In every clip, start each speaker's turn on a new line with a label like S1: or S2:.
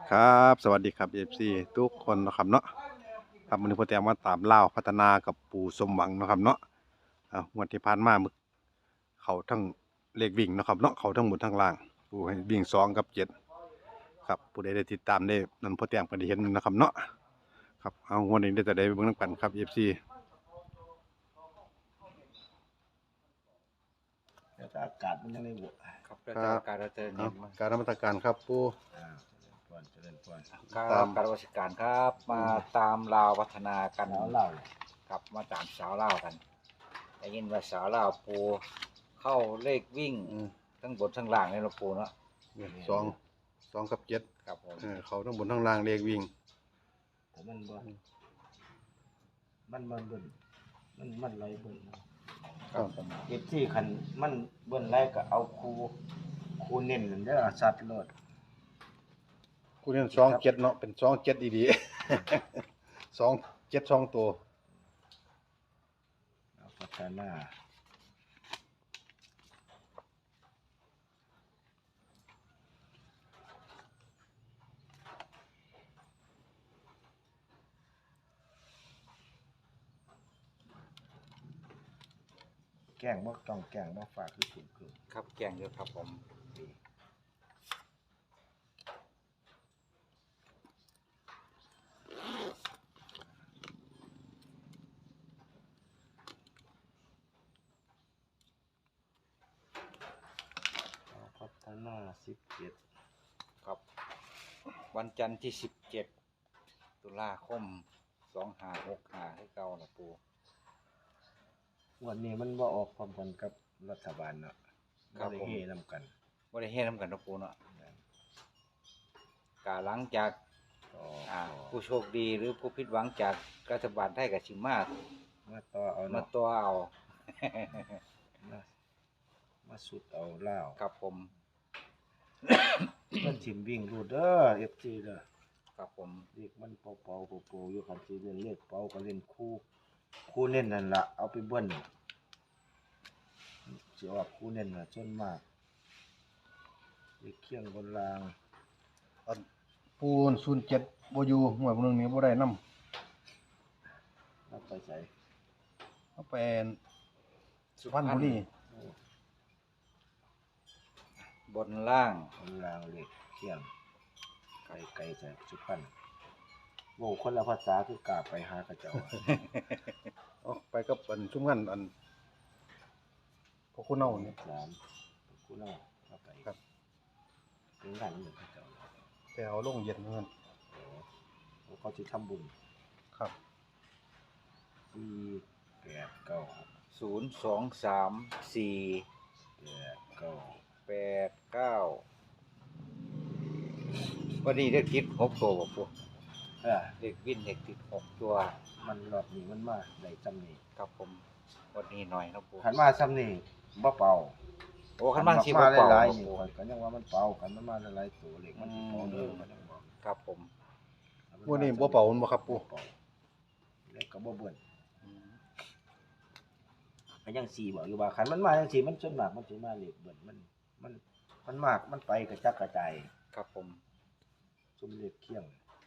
S1: ครับสวัสดีครับ FC ทุกคนนะครับเนาะครับวันนี้พ่อแต้มมาตามเล่าวพัฒนากับปู่สมหวังนะครับเนาะงวดที่ผ่านมามึกเขาทั้งเลขวิ่งนะครับเนาะเขาทั้งหมดทั้งล่างปู่ให้วิ่ง2 กับ 7ครับผู้ใดได้ติดตามได้นั่นพ่อแต้มก็ได้เห็นนะครับเนาะครับเอางวดนี้ได้แต่ได้เบิ่งนำกันครับ FC
S2: แต่ถ้าอากาศมันยังไม่บวก
S3: ครับแล้วแต่การเราจะ
S1: เอา
S3: เน้นมา
S1: การนมัสการครับปู่
S2: เจริญพร
S3: ครับการราชการครับ มาตามลาวพัฒนากัน
S2: แล้วเล่า
S3: ครับมาตามสาวเล่าวกันได้ยินว่าสาวเล่าวปูเข้าเลขวิ่งทั้งบนทั้งล่างในหลวงปูเนาะ
S1: 2 กับ 7
S3: ครับผม
S1: เขาทั้งบนทั้งล่างเลขวิ่ง
S2: แต่มันบ่มันเบิ่นมันไรเบิ่นนะครับ
S3: ผม
S2: เก็บที่คันมันเบิ่นไรก็เอาคูเน้นนั่นเด้อสัตว์โลด
S1: คู่นี้2 7เนาะเป็น2 7ดีๆ2 7 2ตัว
S2: เอาพัฒนาแกล้งบ่ต้องแกล้งบ่ฝากคือถูกคือ
S3: ครับแกงเยอะครับผม
S2: เอาพัฒนา17
S3: ครับ วันจันทร์ที่17 ตุลาคม2565ให้เก่าหลวงปู
S2: วันนี้มันบ่ออกพร้อมกันกับรัฐบาลเนาะบ่ได้เฮนำกัน
S3: บ่ได้เฮ็ดนำกันหลวงปูเนาะกาหลังจาก
S2: ก็
S3: ผู้โชคดีหรือผู้ผิดหวังจากรัฐบาลไทยกับชิมา
S2: มาต่อเอา
S3: มา
S2: เนาะ
S3: ตัวเอา
S2: มาสุดเอาเล่าว
S3: ครับผม
S2: มันถิ่มวิ่งรูดเด้อ FG เด้อ
S3: ครับผม
S2: เด็กมันเป่าๆอยู่คันสิเล่นเลขเป่าก็เล่นคู่เน้นนั่นล่ะเอาไปเบิ้นสิออกคู่เน้นน่ะส่วนมากเลขเคียงบนราง
S1: ปูน07บ่อยู่หวยพวกนึงนี้บ่ได้นำ
S2: รับไปใส่
S1: เอาไปสุพรรณบุรี
S3: บนล่าง
S2: บนรางเลขเคียงไกลๆใส่สุพรรณโว้คนละภาษาคือกล้าไปหากระเจ้า
S1: เอาไปกับอันชุมกันอันพวกคุณเอานี่
S2: 3คู่เนาะเอาไป
S1: ครับ
S2: เป็นงานเหมือนกระเจ้า
S1: ไปเอาลงเย็นเงิน
S2: โอ้เขาสิทำบุญ
S1: ครับ
S2: 4 8 9
S3: 0 2 3 4
S2: 8 9
S3: 8 9วันนี้เด็กติด6ตัวบ่ปู เด็กวินเด็กติด6ตัว
S2: มันรอบนี้มันมาได้ซ้ำนี่
S3: ครับผมวันนี้หน่อยนะปู
S2: คันมาซ้ำนี่บ่เป่า
S3: โอ้คันบ้านสิ
S2: มา
S3: บ่เป่า
S2: หลาย
S3: บ่
S2: ๆนี่
S3: ปู
S2: ข่อยก็ยังว่ามันเป่ากันมันมาหลายๆตัวเลขมันสิเป่าเด้อมันยังบอก
S3: ครับผม
S1: วันนี้บ่เป่ามันบ่ครับปู
S2: บ่เป่าเลขก็บ่เบิ่น
S3: อืม
S2: ก็ยัง4บอกอยู่ว่าคันมันมาจังซี่มันส่วนมากมันสิมาเลขเบิ่นมันมากมันไปกระจัดกระจาย
S3: ครับผม
S2: ซุมเลขเคียง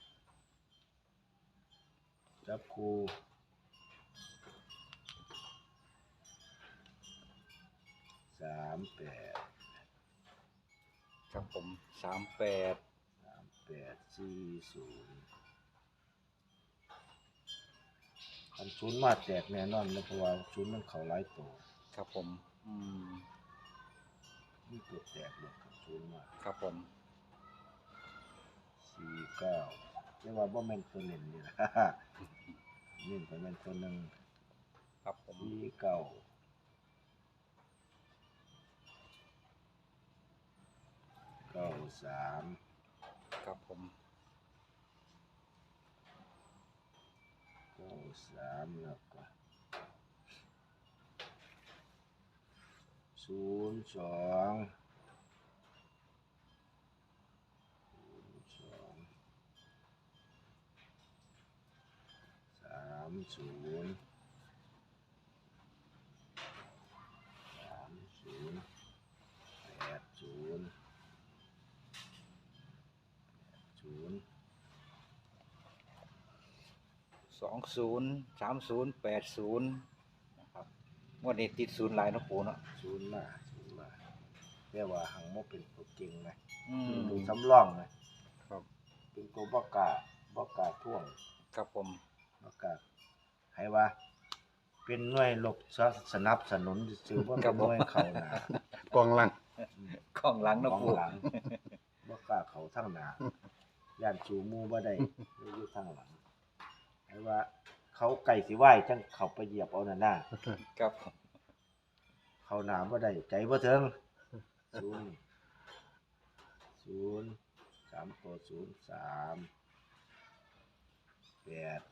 S2: จับคู่38
S3: ครับผม38
S2: 3840คันศูนย์มาแตกแน่นอนนะเพราะว่าศูนย์มันเข้าหลายตัว
S3: ครับผม
S2: มีตัวแตกเลยคันศูนย์มา
S3: ครับผม
S2: 49เรียกว่าบ่แม่นตัวเน้นนี่ล่ะ เน้นก็แม่นตัวหนึง
S3: ครับผม
S2: 49 93
S3: ครับผม
S2: 93แล้วก็02 30 80 นย์
S3: 20 30 80นะครับงวดนี้ติดศูนย์หลายเนาะปูเนาะ
S2: ศูนย์มาเรียกว่าหังบ่เป็นตัวเก่งนะ
S3: อืม
S2: เป็นตัวสำรองนะครับ เป็นตัวบ่กล้าท่วง
S3: ครับผม
S2: บ่กล้าให้ว่า เป็นหน่วยรบสนับสนุนซื่อๆบ่เป็นหน่วยเข้าหน้าก
S1: องหลัง
S3: ข้องหลัง
S2: ข
S3: เนาะ
S2: อง
S3: ปู
S2: หลังบ่กล้าเข้าทางหน้าย่านสู่หมู่บ่ได้อยู่ทางหลังให้ว่า เขาไก่สิไหว้จังเข้าไปเหยียบเอานั่นน่ะ
S3: ครับผม
S2: เข้าหน้าบ่ได้ใจบ่ถึง3ตัว03 8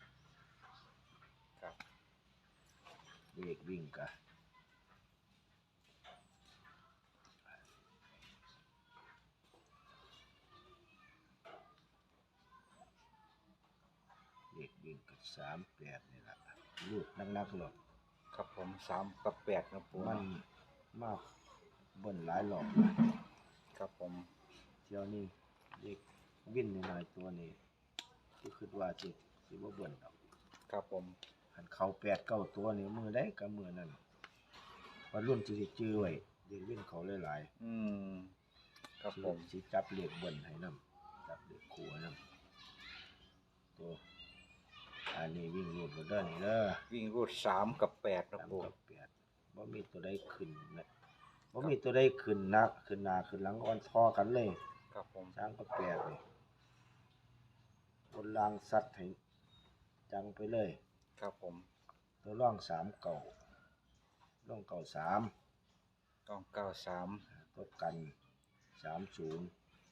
S3: ครับ
S2: เลขวิ่งกะเลขวิ่งกับ38นี่ล่ะรูดนักๆหรอก
S3: ครับผม3กับ8นะปู
S2: มันมากเบิ่นหลายรอบ
S3: ครับผม
S2: เที่ยวนี้เลขวิ่นหน่อยๆตัวนี้ที่คิดว่าสิบ่เบิ่นดอก
S3: ครับผม
S2: คันเข้า8 9ตัวนี่มือใดก็มือนั้นว่ารุ่นสิได้จื้อไว้เลขวิ่นเขาหลายๆ
S3: อืมครับผม
S2: สิจับเลขเบิ่นให้นำจับเลขคู่ให้นำตัวอันนี้วิ่งรูดบ่เด้อนี่เด้อ
S3: วิ่งรูด3กับ8นะ
S2: 3
S3: ปู
S2: กับ8บ่มีตัวใดขึ้นนะบ่มีตัวใดขึ้นนักขึ้นหน้าขึ้นหลังอ่อนทอกันเลย
S3: ครับผม
S2: 3กับ8นี่บนรางสัตว์ให้จังไปเลย
S3: ครับผม
S2: ตัวร่อง3เก่าร่องเก่า3
S3: ต้อง93
S2: ตัวกัน30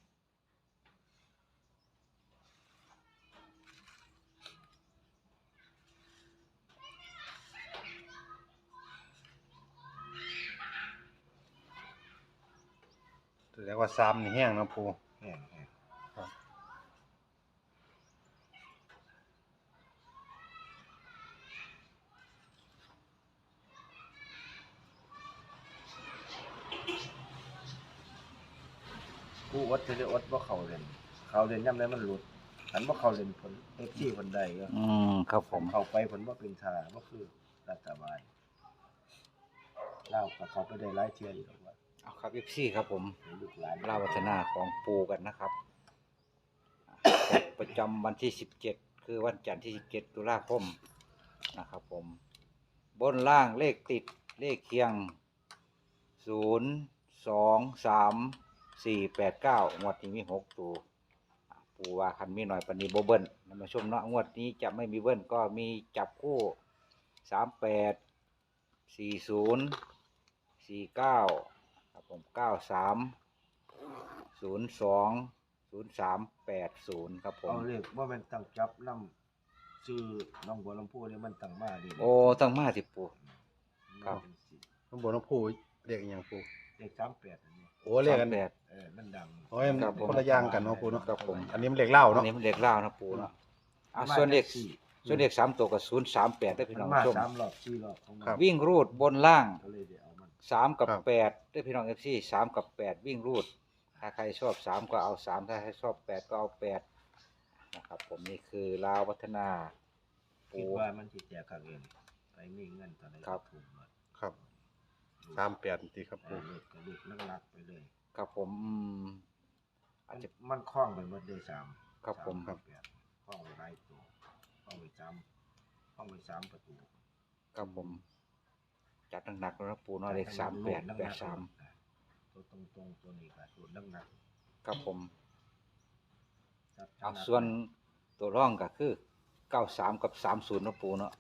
S1: แสดงว่าซ้ำนี่แห้งเนาะปู
S2: แห้ง
S1: ครับ
S2: ผู้อดสิได้อดบ่เข้าเล่นยามใดมันหลุดคันบ่เข้าเล่นผล FC เพิ่นได้เด้อ
S3: อืมครับผม
S2: เข้าไปผลว่าเป็นทาก็คือรัฐบาลเล่ากับเขาไปได้หลายเที่ยอยู่หรอกว่า
S3: เอาครับ FC ครับผม
S2: ให้ลูกหลาน
S3: เล่าวัฒนาของปูกันนะครับประจำวันที่17คือวันจันทร์ที่17ตุลาคมนะครับผมบนล่างเลขติดเลขเคียง0 2 3 4 8 9งวดนี้มี6ตัวปูว่าคันมีหน่อยปานนี้บ่เบิ้ลนำมาชมเนาะงวดนี้จะไม่มีเบิ้ลก็มีจับคู่38 40 49ครับผม93 02 0380ครับผม
S2: เอาเลขว่ามันตั้งจับนำชื่อน้องบัวลำพูนี่มันตั้งมาดี
S3: โอ้ตั้งมาสิปู ครับ
S1: ข้างบนน้องปูเรียกอหยังปู
S2: เลข38อันนี้
S1: โอ้เรียกกัน
S3: 38
S2: มันดัง
S1: โอ้ยมัน
S3: ครับผม
S1: คนละอย่างกันเนาะปูเนาะ
S3: ครับผม
S1: อันนี้มันเรียกเหล้า
S3: อัน
S1: เนาะ
S3: นี้มันเลขเล่าวนะปูเนาะส่วนเลข3ตัวกับ038ได้อพี่
S2: มั
S3: น้
S2: น
S3: อง
S2: มา
S3: ชม
S2: 3รอบ4รอบของมัน
S3: วิ่งรูดบนล่าง
S2: ก็เลยได้เอามัน
S3: 3กับ8ได้อพี่น้อง FC 3กับ8วิ่งรูดถ้าใครชอบ3ก็เอา3ถ้าใครชอบ8ก็เอา8นะครับผมนี่คือลาวพัฒนา
S2: คิดว่ามันสิแจกกันเองไปมีเงินตอนไหน
S3: ครับ
S2: ถูกหมด
S1: ครับ38ตีครับปู
S2: เลขก็เลขนักๆไปเลย
S3: ครับผมอาจจะ
S2: มันคล้องไปหมดเลย3
S3: ครับผม
S2: ครับห้องไร้ตัวห้องไป3ประตู
S3: ครับผมจัดหนักๆแล้วนะปูเนาะเลข3883
S2: ตัวตรงๆตัวนี้ก็ตัวหนัก
S3: ครับผม
S2: ๆจับ
S3: เอาส่วนตัวร่องก็คือ93กับ30นะปูเนาะ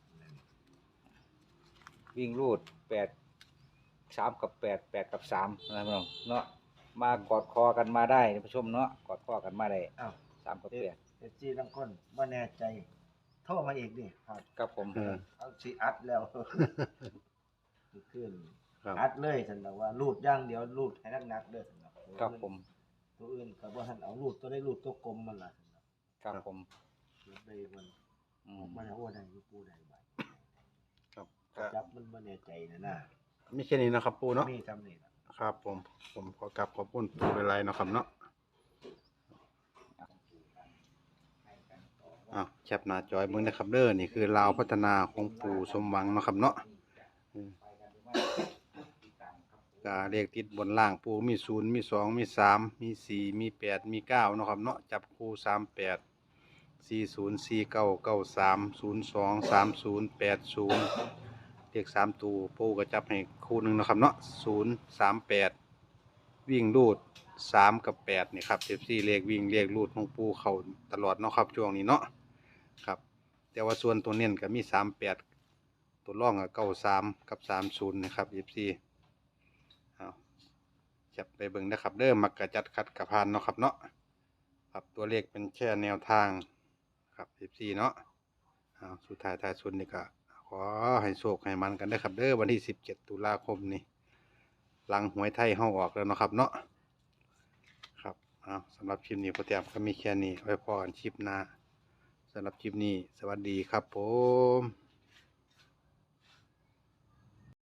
S3: วิ่งรูด8 3กับ8 8กับ3นะพี่น้องเนาะมากอดคอกันมาได้ท่านผู้ชมเนาะกอดคอกันมาได้
S2: อ้าว
S3: 3กับ
S2: เอจีบางคนบ่แน่ใจโทรมาอีกดิครับ
S3: 8ครับผม
S2: เอาสิอัดแล้ว ขึ้น
S1: ครับ
S2: อัดเลยฉันบอกว่ารูดอย่างเดียวรูดให้หนักๆเด้อฉันบอก
S3: ครับผม
S2: ตัวอื่นก็บ่ทันเอารูดตัวได้รูดตัวกลมมันล่ะฉันบอก
S3: ครับผม
S2: รูดได้มัน
S3: อืม
S2: มันเอาได้อยู่ปูได้บ่
S1: ครับ
S2: จับมันบ่แน่ใจนะ
S1: มีแค่นี้นะครับปูเนาะ
S2: มีทำนี่ล่ะ
S1: ครับผมขอกลับขอบคุณปูหลายๆเนาะครับเนาะแคปหน้าจอยเบิ่งนะครับเด้อนี่คือลาวพัฒนาของปู่สมหวังเนาะครับเนาะก็เลขติดบนล่างปู่มี0มี2มี3มี4มี8มี9เนาะครับเนาะจับคู่38 40 49 93 02 30 80เลข3ตัวปู่ก็จับให้คู่หนึงเนาะครับเนาะ0 38วิ่งรูด3กับ8นี่ครับ FC เลขวิ่งเลขรูดของปู่เข้าตลอดเนาะครับช่วงนี้เนาะครับแต่ว่าส่วนตัวเน้นก็มี38ตัวร่องก็93กับ30นะครับ FC เอาจับไปเบิ่งนะครับเด้อมักกะจัดคัดกะพานเนาะครับเนาะครับตัวเลขเป็นแค่แนวทางครับ FC เนาะเอาสุดท้ายท้ายสุดนี่ก็ขอให้โชคให้มันกันได้อครับเด้อวันที่17ตุลาคมนี้หลังหวยไทยเฮาออกแล้วเนาะครับเนาะครับเอาสำหรับคลิปนี้โปรแกรมก็มีแค่นี้ไว้พอกันคลิปหน้าสำหรับคลิปนี้สวัสดีครับผม